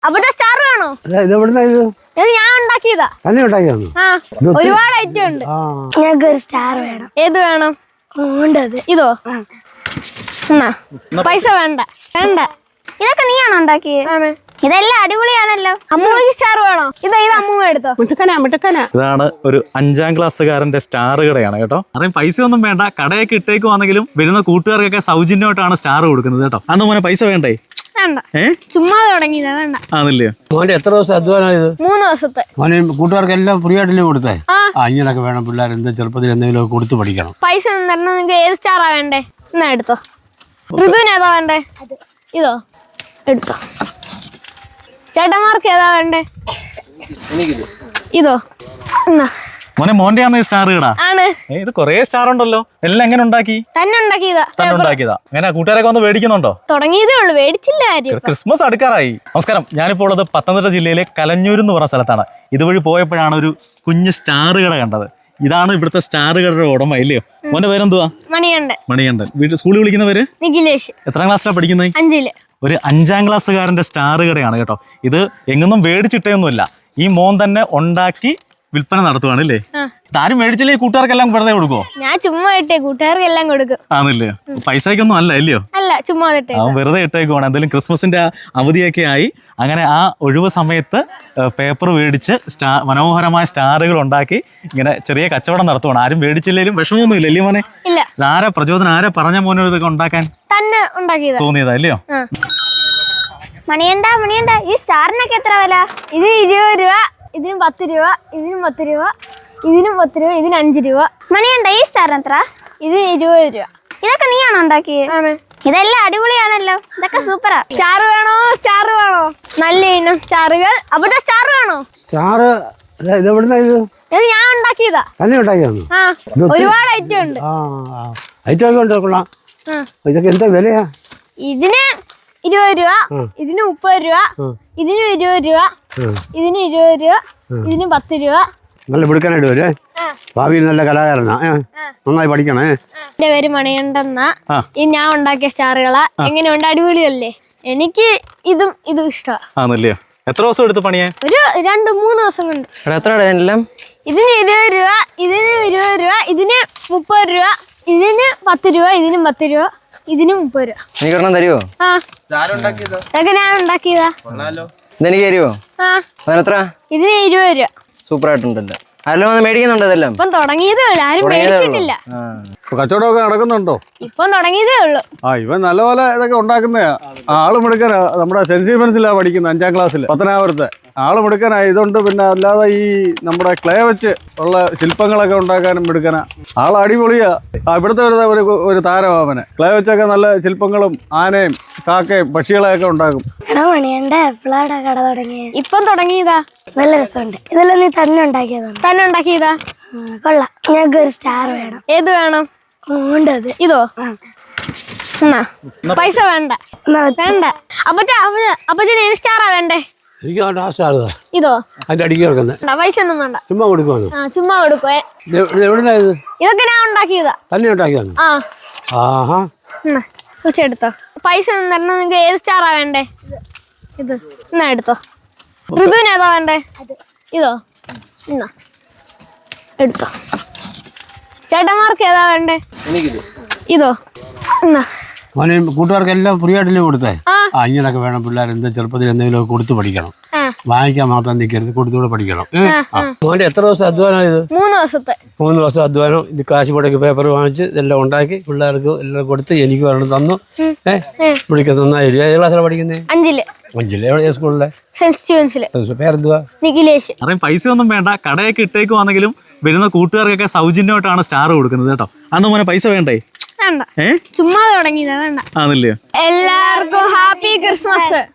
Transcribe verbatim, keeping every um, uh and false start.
അപ്പൊ സ്റ്റാർ വേണോ? ഇത് എവിടുന്നാ ഇത്? ഇത് ഞാൻ ഉണ്ടാക്കിയതാ. തന്നെ ഉണ്ടാക്കിയതാ? ആ, ഒരുപാട് ഐറ്റം ഉണ്ട്. ഞങ്ങൾക്ക് ഒരു സ്റ്റാർ വേണം. ഏത് വേണം? ഇതോ? പൈസ വേണ്ട വേണ്ട. ഇതൊക്കെ നീയാണോ ഉണ്ടാക്കിയത്? ഇതെല്ലാം അടിപൊളിയാണല്ലോ. അമ്മൂമ്മക്ക് സ്റ്റാർ വേണോ? ഇതാ ഇത് അമ്മൂമ്മ എടുത്തോ. ഇതാണ് ഒരു അഞ്ചാം ക്ലാസ്സുകാരന്റെ സ്റ്റാർ കടയാണ് കേട്ടോ. അറിയാം പൈസ ഒന്നും വേണ്ട, കടയൊക്കെ ഇട്ടേക്കുവാണെങ്കിലും വരുന്ന കൂട്ടുകാർക്കൊക്കെ സൗജന്യമായിട്ടാണ് സ്റ്റാർ കൊടുക്കുന്നത് കേട്ടോ. അന്ന് മോനെ പൈസ വേണ്ടേ? വേണ്ട, ചുമ്മാ തുടങ്ങിയതാ. വേണ്ട. ആണല്ലേ? മോന്റെ എത്ര ദിവസം അധ്വാനം ഇത്? മൂന്ന് ദിവസത്തെ. മോനെ കൂട്ടുകാർക്കെല്ലാം ഫ്രീ ആയിട്ടല്ലേ കൊടുത്തേ? ആ, ഇങ്ങനൊക്കെ വേണം പിള്ളേർ. എന്താ ചെറുപ്പത്തിൽ എന്തെങ്കിലും കൊടുത്ത് പഠിക്കണം. പൈസ ഒന്നും തരണം. നിങ്ങൾക്ക് ഏത് സ്റ്റാറാ വേണ്ടേ? എന്നാ എടുത്തോ. ഋതുവിന് ഏതാ വേണ്ടേ? ഇതോ എടുത്തോ. ചേട്ടന്മാർക്ക് ഏതാ വേണ്ടേ? ഇതോ. എന്നാ മോനെ മോന്റെ ആണ് സ്റ്റാർ കട ആണ്. ഇത് കൊറേ സ്റ്റാർ ഉണ്ടല്ലോ. എല്ലാം എങ്ങനെ ഉണ്ടാക്കി? തന്നെ ഉണ്ടാക്കിയതാ. തന്നെ ഉണ്ടാക്കിയതാ. അങ്ങനെ കൂട്ടുകാരൊക്കെ വന്ന് മേടിക്കുന്നുണ്ടോ? തുടങ്ങിയതേ ഉള്ളു, മേടിച്ചില്ല ആരും. ക്രിസ്മസ് അടുക്കാറായി. നമസ്കാരം, ഞാനിപ്പോൾ ഉള്ളത് പത്തനംതിട്ട ജില്ലയിലെ കലഞ്ഞൂർ എന്ന് പറഞ്ഞ സ്ഥലത്താണ്. ഇതുവഴി പോയപ്പോഴാണ് ഒരു കുഞ്ഞ് സ്റ്റാർ കട കണ്ടത്. ഇതാണ് ഇവിടുത്തെ സ്റ്റാർ കടയുടെ ഉടമ ഇല്ലയോ? മോന്റെ പേരെന്തുവാ? മണികണ്ഠൻ. മണികണ്ഠൻ. വീട്ടിൽ സ്കൂളിൽ വിളിക്കുന്നവര്? നിഖിലേഷ്. എത്രാം ക്ലാസ്സിലാണ് പഠിക്കുന്നത്? അഞ്ചില്. ഒരു അഞ്ചാം ക്ലാസ്സുകാരന്റെ സ്റ്റാർ കടയാണ് കേട്ടോ. ഇത് എങ്ങൊന്നും മേടിച്ചിട്ടൊന്നുമില്ല. ഈ മോൻ തന്നെ ഉണ്ടാക്കി വിൽപ്പന നടത്തുവാണ് അല്ലേ? താരും മേടിച്ചില്ലേ കൂട്ടുകാർക്കെല്ലാം വെറുതെ കൊടുക്കുവോ? ഞാൻ ചുമ്മാ ഇട്ടേ, കൂട്ടുകാർക്ക് എല്ലാം കൊടുക്കും. ആണല്ലേ? പൈസക്കൊന്നും അല്ല ഇല്ലയോ? അല്ല, ചുമ്മാ ഇട്ടേ. അവൻ വെറുതെ ഇട്ടേക്കുവാണ്. എന്തായാലും ക്രിസ്മസിന്റെ അവധിയൊക്കെ ആയി. അങ്ങനെ ആ ഒഴിവ് സമയത്ത് പേപ്പർ മേടിച്ച് സ്റ്റാർ മനോഹരമായ സ്റ്റാറുകൾ ഉണ്ടാക്കി ഇങ്ങനെ ചെറിയ കച്ചവടം നടത്തുവാണ്. ആരും മേടിച്ചില്ലേലും വിഷമമൊന്നും ഇല്ല അല്ലേ മോനെ? ഇല്ല. ആരാ പ്രചോദനം? ആരാ പറഞ്ഞ മോനെ ഇതൊക്കെ ഉണ്ടാക്കാൻ തന്നെ ഉണ്ടാക്കിയതാ തോന്നിയതാ അല്ലയോ? മണിയണ്ട മണിയണ്ട ഈ സ്റ്റാറിനൊക്കെ എത്ര വില? ഇത് ഇരുപത് രൂപ, ഇതിന് പത്ത് രൂപ, ഇതിനും പത്ത് രൂപ, ഇതിനും പത്ത് രൂപ, ഇതിന് അഞ്ച് രൂപ. മണിയണ്ട ഈ സ്റ്റാറിന് എത്ര? ഇതിന് ഇരുപത് രൂപ. ഇതൊക്കെ നീയാണോ ഉണ്ടാക്കിയത്? ഇതെല്ലാം അടിപൊളിയാണല്ലോ. ഇതൊക്കെ സൂപ്പറാ. സ്റ്റാർ വേണോ? സ്റ്റാർ വേണോ? നല്ല ഇനം സ്റ്റാറുകൾ. അപ്പൊ സ്റ്റാർ വേണോ? സ്റ്റാർ ഇത് എവിടുന്നാ ഇത്? ഇത് ഞാൻ ഉണ്ടാക്കിയതാ. തന്നെ ഉണ്ടാക്കിയതാ? ആ, ഒരുപാട് ഐറ്റം ഉണ്ട്. ആ, ഐറ്റം ഒക്കെ ഉണ്ട്. കൊള്ളാം. ഇതൊക്കെ എന്താ വിലയാ? ഇതിന് ഇരുപത് രൂപ, ഇതിന് മുപ്പത് രൂപ, ഇതിന് ഇരുപത് രൂപ, ഇതിന് ഇരുപത് രൂപ, ഇതിന് പത്ത് രൂപ. നല്ല പിടിക്കാനായിട്ട് വരെ. ഭാവിയിൽ നല്ല കലാകാരനാ. നന്നായി പഠിക്കണേ. എന്റെ പേര് മണികണ്ഠെന്ന. ഈ ഞാൻ ഉണ്ടാക്കിയ സ്റ്റാറുകളാ. എങ്ങനെയുണ്ട്? അടിപൊളിയല്ലേ? എനിക്ക് ഇതും ഇതും ഇഷ്ടമാണ്. എത്ര ദിവസം എടുത്ത് പണിയാ? ഒരു രണ്ട് മൂന്ന് ദിവസം കൊണ്ട്. ഇതിന് ഇരുപത് രൂപ, ഇതിന് ഇരുപത് രൂപ, ഇതിന് മുപ്പത് രൂപ, ഇതിന് പത്ത് രൂപ, ഇതിനും പത്ത് രൂപ, ഇതിന് മുപ്പത് രൂപ. തരുമോ? ആ, ഇതൊക്കെ ഞാൻ ഉണ്ടാക്കിയതാ. ഇതെനിക്ക് തരുമോ? ആ, അതിനെത്ര? ഇതിന് ഇരുപത് രൂപ. സൂപ്പർ ആയിട്ടുണ്ടല്ലോ. ആരെല്ലാം വന്ന് മേടിക്കുന്നുണ്ടോ ഇതെല്ലാം? ഇപ്പം തുടങ്ങിയതേ ഉള്ളു, ആരും മേടിച്ചിട്ടില്ല. കച്ചവടമൊക്കെ നടക്കുന്നുണ്ടോ? ഇപ്പം തുടങ്ങിയതേ ഉള്ളു. ആ, ഇവൻ നല്ലപോലെ ഇതൊക്കെ ഉണ്ടാക്കുന്നതാ. ആള് മിടുക്കനാ. നമ്മുടെ സെന്റ് സ്റ്റീഫൻസിലാണ് പഠിക്കുന്നത്, അഞ്ചാം ക്ലാസ്സിൽ, പത്തനാപുരത്തെ. ആള് മിടുക്കനാ. ഇതുണ്ട്. പിന്നെ അല്ലാതെ ഈ നമ്മുടെ ക്ലേ വെച്ച് ഉള്ള ശില്പങ്ങളൊക്കെ ഉണ്ടാക്കാനും മിടുക്കനാ. ആൾ അടിപൊളിയാ. ഇവിടുത്തെ ഒരു ഒരു ഒരു താരമാവന് ക്ലേ വെച്ചൊക്കെ നല്ല ശില്പങ്ങളും ആനയും കാക്കയും പക്ഷികളെയൊക്കെ ഉണ്ടാക്കും. കട തുടങ്ങിയ ഇപ്പം തുടങ്ങിയതാ. നല്ല രസമുണ്ട്. ഇതെല്ലാം നീ തന്നെ ഉണ്ടാക്കിയതാണ്? തന്നെ ഉണ്ടാക്കിയതാ. കൊള്ളാം. ഞങ്ങൾക്ക് ഒരു സ്റ്റാർ വേണം. ഏത് വേണം? ഇതോ? എന്നാ പൈസ വേണ്ട വേണ്ട. അപ്പച്ച അപ്പച്ചന് ഏത് സ്റ്റാറാ വേണ്ടേ? എനിക്ക് ആ സ്റ്റാർ ഇതോ? അതിന്റെ അടിക്ക് കിടക്കുന്നത്. പൈസ ഒന്നും വേണ്ട, ചുമ്മാ കൊടുക്കുവാണ്. ആ, ചുമ്മാ കൊടുക്കുവേ. എവിടുന്നാ ഇത്? ഇതൊക്കെ ഞാൻ ഉണ്ടാക്കിയതാ. തന്നെ ഉണ്ടാക്കിയാണ്? ആ. ആഹാ. എടുത്തോ. പൈസ ഒന്നും തരണം. നിങ്ങൾക്ക് ഏത് സ്റ്റാറാ വേണ്ടേ? ഇത്. എന്നാ എടുത്തോ. ഋതുവിന് ഏതാ വേണ്ടേ? ഇതോ? എന്നാ എടുത്തോ. ചേട്ടന്മാർക്ക് ഏതാ വേണ്ടേ? ഇതോ? എന്നാ മോനെ കൂട്ടുകാർക്കെല്ലാം ഫ്രീ ആയിട്ടല്ലേ കൊടുത്തേ? ആ, ആ, ഇങ്ങനൊക്കെ വേണം പിള്ളേർ. എന്താ ചെറുപ്പത്തിൽ എന്തെങ്കിലും കൊടുത്ത് പഠിക്കണം. വാങ്ങിക്കാൻ മാത്രം നിൽക്കരുത്, കൊടുത്തുകൂടെ പഠിക്കണം. മോന്റെ എത്ര ദിവസം അധ്വാനം ഇത്? മൂന്ന് ദിവസത്തെ. മൂന്ന് ദിവസം അധ്വാനം. ഇത് കാശ് മുടക്കി പേപ്പർ വാങ്ങിച്ച് ഇതെല്ലാം ഉണ്ടാക്കി പിള്ളേർക്ക് എല്ലാം കൊടുത്ത് എനിക്ക് വരണം തന്നു. ഏഹ് വിളിക്കാൻ നന്നായിരിക്കും. ഏത് ക്ലാസ്സിലാണ് പഠിക്കുന്നത്? അഞ്ചില്. അഞ്ചില്. എവിടെ സ്കൂളിലെ? സെന്റ് സ്റ്റീവൻസില്. പേരെന്തുവാ? നിഖിലേഷ്. അറിയാം പൈസ ഒന്നും വേണ്ട, കടയൊക്കെ ഇട്ടേക്കുവാണെങ്കിലും വരുന്ന കൂട്ടുകാർക്കൊക്കെ സൗജന്യമായിട്ടാണ് സ്റ്റാർ കൊടുക്കുന്നത് കേട്ടോ. അന്ന് മോനെ പൈസ വേണ്ടേ? വേണ്ട, ചുമ്മാ തുടങ്ങിയതാ. വേണ്ട. ആണല്ലേ? എല്ലാവർക്കും ഹാപ്പി ക്രിസ്മസ്.